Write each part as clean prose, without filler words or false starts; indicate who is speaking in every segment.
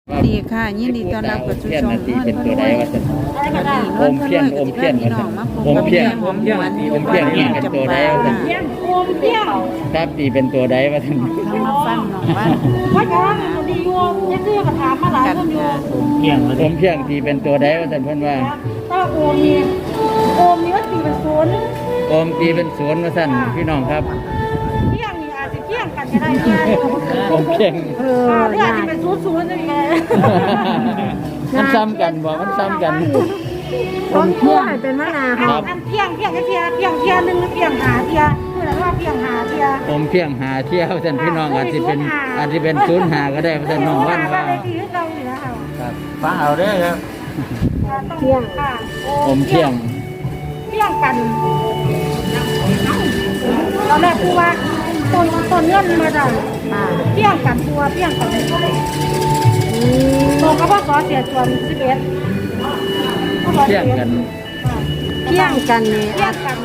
Speaker 1: ดีค่ะยินดีต้อนรับกับชุมชน
Speaker 2: ที่เป็นตัวใดว่าจะอมเพี้ยนว่าจะอมเพี้ยนนี่เป็นตัวใดว่าจะครับตีเป็นตัวใดว่าจะ
Speaker 1: ทำมาฟังน้องว่า
Speaker 3: ว่าจะดีโยมยังซื้อกระถางมาหลายคนโยม
Speaker 2: อมเพี้ยนตีเป็นตัวใดว่าจะเพิ่นว่า
Speaker 3: ถ้าโอมนี่ว่าตีเป็นศูนย์
Speaker 2: อมตีเป็นศูนย์ว่าสั่นพี่น้องครับ
Speaker 3: เที่ยงนี่อาจจะเที่ยงกันก็ได้นะ
Speaker 2: อมเพี้ยน
Speaker 3: หรืออาจจะเป็นศูนย์นี่ไง
Speaker 2: มันซ้ำกันบ่มันซ้ำกัน
Speaker 1: ต้นเที่ยงเป็นมะนาว
Speaker 3: อันเที่ยงหนึ่งเที่ยงหาเที่ยเพื่อนว่าเที่ยงหาเที่ย
Speaker 2: อมเพี้ยนหาเที่ยวสั่นพี่น้องอาจจะเป็นศูนย์หาก็ได้ว่าสั่นน้องวันว่า
Speaker 3: ที่เราอยู่แล้ว
Speaker 2: ครับฟังเอาเด้อครับ
Speaker 3: เที่ยงค่ะ
Speaker 2: อมเพี้ยน
Speaker 3: เที่ยงกันตอนแรกครูว่าต้นเงื่อนมาจากเที่ยงกันตัวเที่ยงกันตรงกับว่าขอเสียส่วน11
Speaker 2: เพี้ยนกัน
Speaker 1: เที่ยงกันนี่
Speaker 3: เที่ยงกัน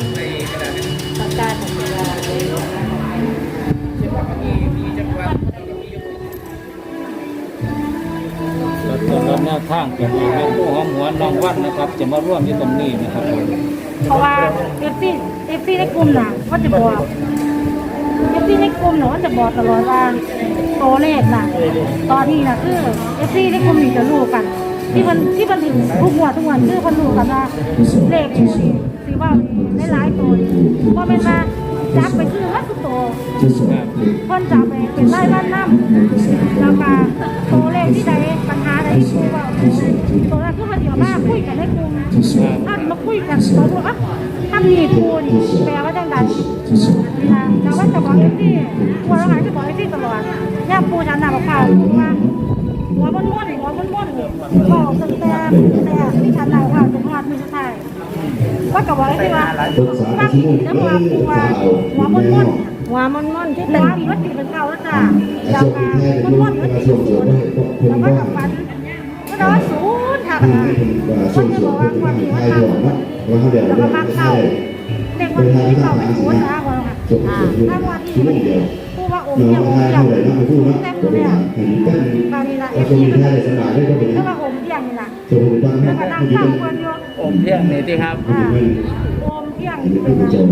Speaker 4: แล้วแนวทางเป็นแม่ผู้หอมหวนน้องวันนะครับ จะมาร่วมอยู่ตรงนี้นะครับ
Speaker 3: เพราะว่าเอฟซีในกลุ่มน่ะก็จะบอกเอฟซีในกลุ่มน่ะก็จะบอกตลอดว่าตัวเลขน่ะตอนนี้น่ะคือเอฟซีในกลุ่มนี่จะรู้กัน ที่มันถึงทุกวันคือมันรู้กันว่าเลขนี่สิว่าหลายๆตัวนี่เพราะเป็นว่าจับไปคือว่าสุดโตคนจับไปเป็นไล่บ้านน้ำแล้วก็ตัวเลขที่ใดปัญหาใดที่พูดว่าตัวนั้นคือมันเดี๋ยวมาคุยกันในกลุ่มถ้ามาคุยกันเราบอกว่าถ้ามีพูนแปลว่าจังใดนะแต่ว่าจะบอกเอฟซีกลัวแล้วหายจะบอกเอฟซีตลอดย่าปูฉันน่ะบอกข่าวว่าหัวม้วนบอกตั้งแต่ที่ฉันได้ข่าวจนวันมือสุดท้ายว่ากับว่าที่ว่าตั้งแล้วว่าปูว่าหัวม้วนที่เป็นที่วัดตีเป็นเขาแล้วจ้ะยาวการม้วนวัดตีแล้วก็กับฟันก็ร้อนสูงค่ะคนจะบอกว่าความที่ว่าทำแล้วก็มาเข้าเด็กวันที่เข้าไปสูงนะว่าถ้าวันที่มันพูดว่าองค์เดียวแต่พูดเนี่ยบาลีละเอฟซีก็ถ้าว่าองค์เดียวนี่นะแล้วก็นั่งข้างคนโย
Speaker 2: อมเพี้ยนนี่ที่ครับ
Speaker 3: โอมเที่ยงเป็นเที่ยง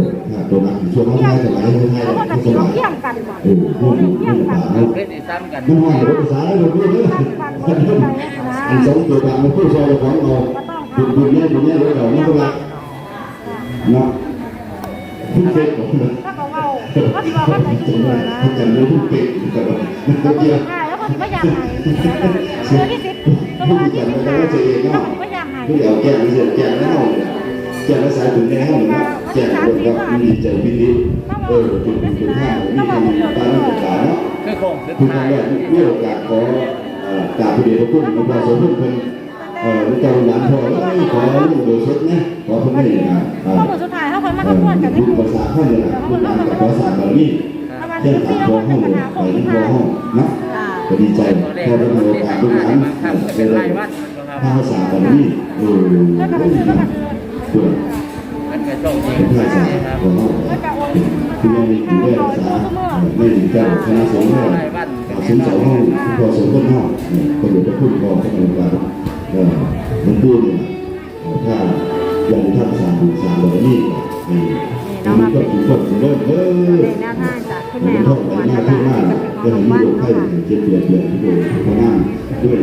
Speaker 3: แล้วก็จะเที่ยงกันก่อนโอ้เที่ยงกัน
Speaker 2: เล่นซ้ำกัน
Speaker 3: ซ้ำกันไปนะ
Speaker 5: อันสองตัวการมาพูดซอยของเรา
Speaker 3: ก็ต้อง
Speaker 5: ดูเนี่ยเราไม่ต้องรักเนาะทุกเด็กของเรา
Speaker 3: ถ้าเขาเอาก็ถือว่าใส่ชุดเหลือนะ
Speaker 5: กันเลยทุกเด็กกันมัน
Speaker 3: แล้ว
Speaker 5: ก็
Speaker 3: ก็
Speaker 5: เกี่ยว
Speaker 3: ใช่แล้วก็ถือว่าอยากหายเดือนที่10ตัวที่15แล้วก็ถือว่าอยากหาย
Speaker 5: ผู้เดียวแก่ไม่เสียแก่แล้วเนาะแก่ภาษาถึงในห้องนะแก่คนก็มีใจพินิจถึงห้ามีการศึกษาเนาะ
Speaker 2: คือโคงสุด
Speaker 5: ทุกค
Speaker 2: ท้าน ย
Speaker 5: เนี่ยมีโอกาสขอกราบพระเดชพระคุณหลวงพ่อโสมเพิ่นเจ้าหลานพ่อขอโดยสดนะขอเพิ่นให้นะ
Speaker 3: ข้อมูลสุดท้ายเขาคนมาเขาพูดกันให้
Speaker 5: ภาษาเพิ่นเนี่ยภาษาบาลี
Speaker 3: ประมาณ
Speaker 5: เที่ยง
Speaker 3: ที่
Speaker 5: ถาม
Speaker 3: เรา
Speaker 5: ห้อง
Speaker 3: เป็นปัญหา
Speaker 5: ไป
Speaker 3: ของ
Speaker 5: ที่
Speaker 3: สุดท้าย
Speaker 5: ห้องนะก็ดีใจพอได้มีโอกาสลูกหลาน
Speaker 2: เป็น
Speaker 5: เล
Speaker 2: ราย ยวันครับ
Speaker 5: ภาษาบาลี
Speaker 3: แล้วก็คือแล้วก็คือ
Speaker 5: เพื่อ
Speaker 2: มันก็โชคดี
Speaker 5: ภาษา
Speaker 2: ครับ
Speaker 5: ของเรา
Speaker 3: แล้วก็โอน
Speaker 5: คือยังมีผู้ได้ภาษาไม่ถึงการคณะสงฆ์เนี่ยสินเสาห้องพอสมบูรณ์ห้องก็อยู่กับผู้พอพระองค์การมันพูดเนี่ยถ้ายังท่านสามสามแบบนี้มันก็ถือว่าเริ่ม
Speaker 1: ในหน้าทางจากคุณแม่ของขวัญนะคะจะเป็นของน้องวันนะคะ
Speaker 5: เจ็บเดือดเลยที่ดูพนันด้วย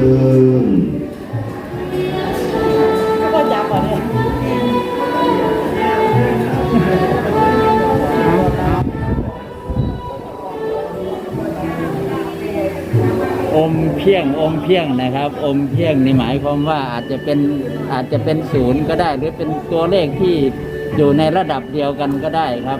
Speaker 3: ก็จับก่อนเลย
Speaker 2: อมเพี้ยงนะครับ อมเพี้ยงนี่หมายความว่าอาจจะเป็นศูนย์ก็ได้ หรือเป็นตัวเลขที่อยู่ในระดับเดียวกันก็ได้ครับ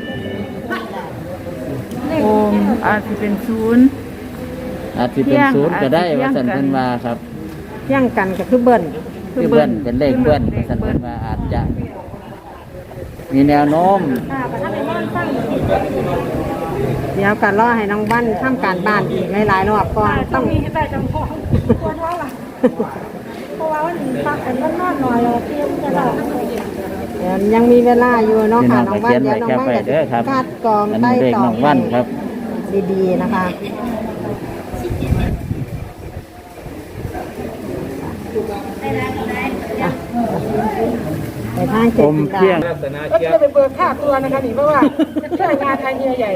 Speaker 1: โอมอาจจะเป็นศูนย์
Speaker 2: อาจจะเป็นศูนย์ก็ได้ว่าสันเพิ่นว่าครับ
Speaker 1: เที่ยงกันก็คือเบิ้ล
Speaker 2: คือเบิ้ลเป็นเลขเบิ้ลว่าสันเพิ่นว่าอาจจะ มีแนวโน้ม
Speaker 3: ประทับในบ้านสร้าง
Speaker 1: เดี๋ยวกันรอให้น้องวันทำการบ้านอีกหลายๆรอบก่อน
Speaker 3: ต้
Speaker 1: ต้
Speaker 3: อ
Speaker 1: อง ง
Speaker 3: มีแต่จำพองควรว่าล่ะเพราะว่าวันนี้พักกันนอนหน่อยเราเตรียมจะหลับ
Speaker 1: เดี๋ยวยังมีเวลาอยู่เนาะค่ะน้องวัน
Speaker 2: พี่
Speaker 1: เดี๋ยวน้อง
Speaker 2: น้อง
Speaker 1: วัน
Speaker 2: ไปเขียนไว้แคปไว้เด้อครับ
Speaker 1: คัดกรอง
Speaker 2: อัน
Speaker 1: ใต้
Speaker 2: นี้เลข
Speaker 1: ต่อ
Speaker 2: น้องวันครับ
Speaker 1: ดีๆนะคะไปทางเจ็
Speaker 2: อ
Speaker 1: ด
Speaker 2: ม
Speaker 1: สิบ
Speaker 2: เพียง
Speaker 4: ลักษณะ
Speaker 6: ก็
Speaker 4: เจี๊ยบ
Speaker 6: จะไปเบิกค่าตัวนะคะนี่เพราะว่าช่วยงานไทยเฮียใหญ่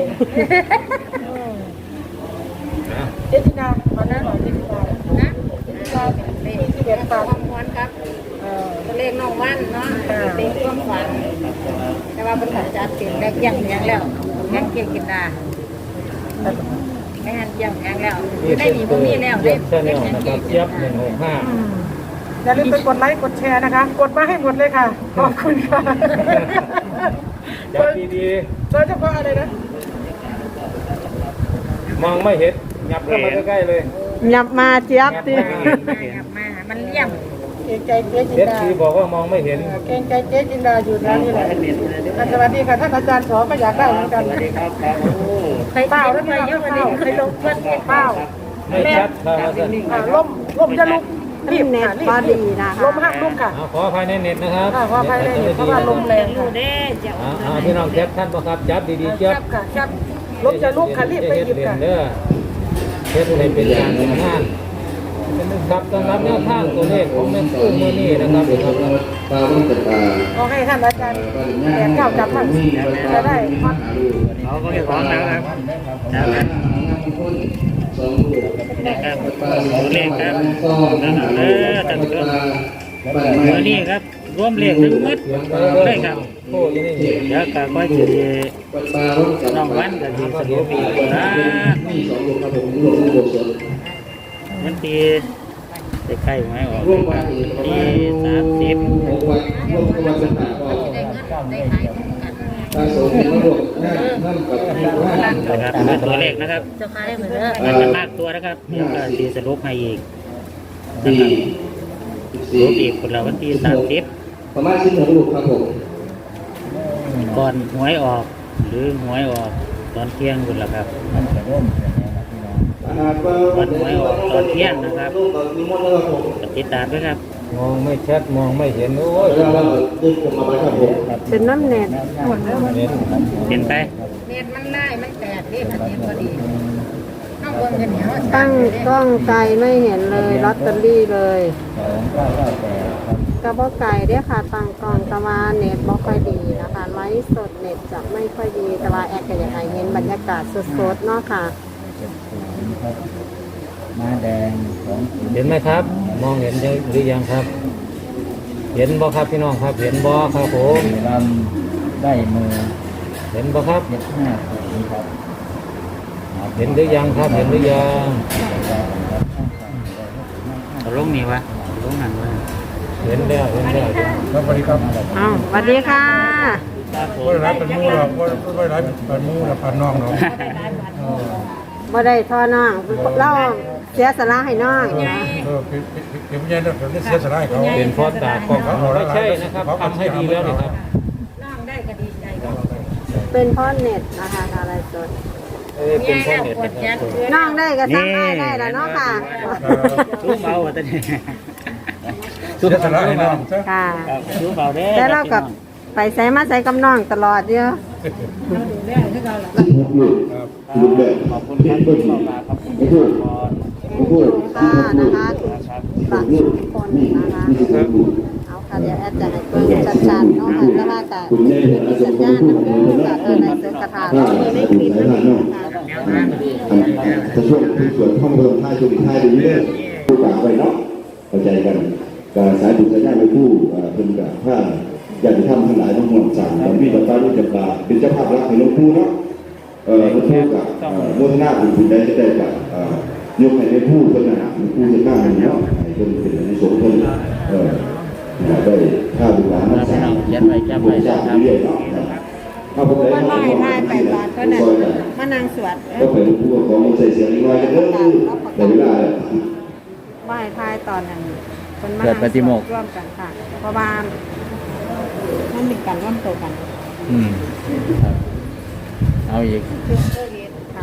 Speaker 6: เจจินาตอนนั้นหรอเจจินานะเจจินาที่เบียร์ตาความหวานครับเลขน้องวันเนาะเต็งความหวานแต่ว่าเป็นขัดจัดเต็มแล้วยังแล้วยังเก่งกินดาไม่หันยังแล้วได้หนีบ่มีแล้ว
Speaker 4: เจี๊ยบแชนแนลนะครับเจี๊ยบ165
Speaker 6: อย่าลืมไปกดไลค์กดแชร์นะคะกดมาให้หมดเลยค่ะขอบคุณค่ะ
Speaker 4: จับดี
Speaker 6: โดยเฉพาะอะไรนะ
Speaker 4: ๆมองไม่เห็นงับเข้ามาใกล้ๆเลย
Speaker 1: หยับมาเจี๊ยบติ
Speaker 3: มามันเลี่ยม
Speaker 6: เกรงใจเจ๊จิ
Speaker 4: เด็
Speaker 6: น
Speaker 4: ด
Speaker 6: ดา
Speaker 4: สีบอกว่ามองไม่เห็น
Speaker 6: เกรงใจเจ๊จินดาอยู่ร้านนี้แหละสวัสดีค่ะท่านอาจารย์สอก็อยากได้เหมือนกันเปล่าแล้วเยอะกว่านี้ใครลงเพื่อนเปล่า
Speaker 4: ไม่ชัดครับอาจารย์
Speaker 6: ลมจะลุกรีบ
Speaker 1: เน็ต
Speaker 6: รี
Speaker 1: พอบ ดีนะ
Speaker 6: ล
Speaker 1: คะ
Speaker 6: มหักลุกค่ะ
Speaker 4: ขออภัยในเน็ตนะครับ
Speaker 6: ขออภัยในเน็ตเพราะว่าลมแรงค่ะ
Speaker 4: พี่น้องแคปท่านประครับจับดีๆเจี๊ยบ
Speaker 6: ค่ะครับลมจะลุกค่ะรีบไปหยิบค่ะ
Speaker 4: เด้อเฮ็ดให้เป็นการทำงานครับสำหรับแนวทางตัวเลขของแม่คู่เมื่อนี้นะครับ
Speaker 5: ปลาต้องเป็นปลา
Speaker 6: ขอให้ท่านอาจารย์แขนเก้าจับมั่งจะได้พัก
Speaker 2: เขาก็ไม่พร้อมนะครับจากนั้นนะครับตัวเลขครับนะครับท่านผู้ชมวันนี้ครับรวมเลขทั้งหมดเลยครับ
Speaker 4: โอ้ยนี่
Speaker 2: เดี๋ยวก็ค่อยจะน้องวันกับทีสรุปอีกนะวันที่จะใกล้ไหมออกที่30 นะครับตัวเลขนะครับ
Speaker 3: จะขายเหมือนเดิม
Speaker 2: มันจะมากตัวนะครับเดี๋ยวก็ทีสรุปให้อีกนะครับสรุปอีกคนละวันที่30
Speaker 5: ประมาณ16ลูกครับผม
Speaker 2: ก่อนหวยออกหรือหวยออกตอนเที่ยงคนละครับวันหวยออกตอนเที่ยงนะครับติดตามด้วยครับ
Speaker 4: มองไม่ชัดมองไม่เห็นโอ้ย
Speaker 5: ดึงผมมาไว้ครับผม
Speaker 1: เป็นน้ำเน็ต
Speaker 2: เป็นไป
Speaker 3: เน็ตมันได้มันแตกนี่มันเน็ตพอดีต้องเบิ่งกันเหนียว
Speaker 1: ตั้งกล้องไกลไม่เห็นเลยลอตเตอรี่เลยกระบอกไก่เด้อค่ะตั้งกล้องแต่ว่าเน็ตบ่ค่อยดีนะคะไลฟ์สดเน็ตจะไม่ค่อยดีแต่ว่าแอดก็อยากให้เห็นบรรยากาศสดๆเนาะค่ะ
Speaker 2: มาแดงของ
Speaker 4: เห็นไหมครับ มองเห็นหรือยังครับ เห็นบ่ครับพี่น้องครับ เห็นบ่ครับผม
Speaker 2: ลำได้มือ
Speaker 4: เห็นบ่ครับ
Speaker 2: 75ครับ
Speaker 4: เห็นหรือยังครับ เห็นหรือยัง
Speaker 2: เอาลงนี่วะเอาลงนั่นวะ
Speaker 4: เห็นแล้วเห็นแล้ว
Speaker 7: ครับสวัสดีครับ
Speaker 1: อ้าวสวัสดีค่ะ
Speaker 2: ครับผม
Speaker 7: ว่าร้านเป็นมูหรอกว่าร้านเป็นมูหรอกพันน้องเนาะ
Speaker 1: บ่ได้ทอน้องเล่าเสียสละให้น้องนะ
Speaker 7: เดี๋ยวพี่ยันเดี๋ยวเสียสละให้เขา
Speaker 4: เป็นพอดตากล้องไม่ใช่นะครับทำให้ดีแล้วนี่ครับ
Speaker 3: น้องได้ก็ดีใจก็
Speaker 1: เป็นเพ่อเน็ตนะคะอะไรสด
Speaker 4: เป็นพอดเน็ต
Speaker 3: ปวด
Speaker 4: นะค
Speaker 3: ยั
Speaker 4: รับ
Speaker 3: น
Speaker 1: น้องได้ก็ซ้ำได้ได้แล้วเนาะค่ะ
Speaker 2: ชูเบาอ่ะตอนนี้
Speaker 7: เสียสละให้น้องซะ
Speaker 1: ค่ะ
Speaker 2: ชูเบาเด้
Speaker 1: แต่เรากับไปใส่มาใส่กับน้องตลอดเยอะ
Speaker 5: 16ลูกลูกแบบ
Speaker 2: ขอบคุณ
Speaker 5: เห็
Speaker 2: ท่าน น
Speaker 5: เบิ้
Speaker 2: ผู้
Speaker 5: ล
Speaker 2: ชมครับขอบคุณ
Speaker 5: ไม่พูด
Speaker 2: ก่อน
Speaker 5: ไม่พูด
Speaker 1: ค่ะนะคะฝาก
Speaker 5: ลู
Speaker 1: ทุ
Speaker 5: ก
Speaker 1: กคน
Speaker 5: นี่
Speaker 1: นะคะ
Speaker 5: 16ลูก
Speaker 1: เอาค่ะเดี๋ยวแอดจะให้เพิ่มชัดๆเนาะค่ะแต่ว่ากับ
Speaker 5: คุณแม่เห็นอาจจะ
Speaker 1: สัญ
Speaker 5: พู
Speaker 1: ญาณ
Speaker 5: ด
Speaker 1: นะ
Speaker 5: พู
Speaker 1: คะ
Speaker 5: ด
Speaker 1: กับในเสือกระถา
Speaker 5: ถ้า
Speaker 1: เรามีในคลิป
Speaker 5: สาย
Speaker 1: นะ
Speaker 5: ทานเนาะ
Speaker 1: คะ
Speaker 5: ถ้าช่วงที่สวนท่องเพิ่มท่าช่วงท้ายดีเลยผู้กลางไปเนาะเข้าใจกันการสายบุญสายญาติไม่ผู้เป็นกับถ้าอยากจะทำทั้งหลายต้องห่วงสั่งตอนนี้ต่อไปรู้จักบาเป็นเจ้าภาพรักให้หลวงปู่เนาะหลวงปู่กับโมทนาบุญคุณได้จะได้กับยกให้ได้ผู้เพื่อนนะหลวงปู่จะตั้งให้เนาะให้เป็นในสงฆ์เพื่อนได้ข้าวบุญหลานนักสาวบุญสาวเรื่อยๆเนาะถ้าผมได้
Speaker 1: ก็
Speaker 5: มา
Speaker 1: น้อยทายไปตอนก็นั่นมานั่งสวด
Speaker 5: ก็เป็นผู้ของใส่เสียงน้อยกันเด้อแต่เวลา
Speaker 1: ไหว้ทายตอนนั้นคนมานั่งสวดร่วมกันค่ะ เพราะว่ามันมีการร่วมตัวกัน
Speaker 2: ครับเอาอีก
Speaker 1: ค่ะ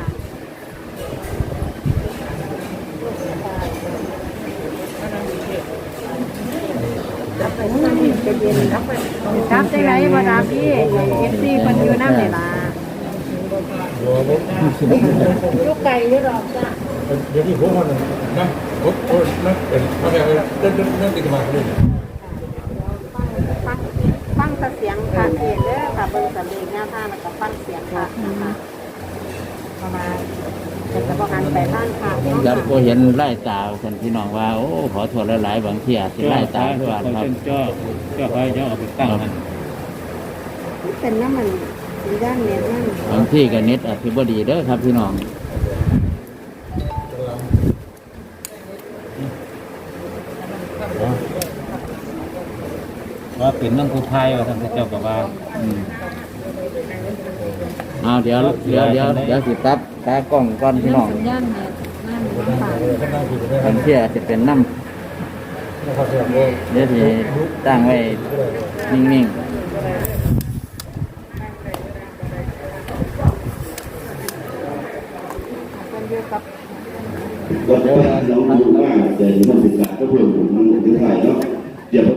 Speaker 1: จับไปทั้งนั้นจะเย็นจับไปจับได้ไรบ่ดับพี่เอฟซีคนอยู่น้ำเลยล่ะ
Speaker 3: ลูกไก่หรือหรอกจ้ะ
Speaker 7: เดี๋ยวที่ผมมันนะโอ้นั่นเป็นเขาแบบนั่นติดมาเลย
Speaker 1: ฟังเสียงค่ะเองเด้อค่ะเบิ่งสำเนียงหน้าท่าแล้วก็ฟังเสียงค่ะนะคะประมาณจะบอกกันไปบ้านค่ะ
Speaker 2: ยัดก็เห็นไล่ตาคนพี่น้องว่าโอ้ขอโทษหลายๆบางทีอาจจะไล่ตาด้วยครับ
Speaker 4: ก็คอยเอาไปตั้งมัน
Speaker 1: เป็นน้ำมันด้านเน็ตนั่น
Speaker 2: บางที่ก็เน็ตอาจจะบ่ดีเด้อครับพี่น้อง
Speaker 4: ว่าเป็นน้ำผู้ไทยว่าท่านเจ้ากับว่า
Speaker 2: เอาเดี๋ยวสิปรับตากล้องก่อนพี่น้อง
Speaker 1: สัญญาณเน็ตนั่นค่ะ
Speaker 2: บางที่อาจจะเป็นน้ำเดี๋ยวที่ตั้งไว้นิ่งๆ
Speaker 1: คนอยู่กับ
Speaker 5: ก็จะน้องดูว่าเดี๋ยวมันศึกษาก็เพิ่มมันถึงไทยเนาะเดี๋ยว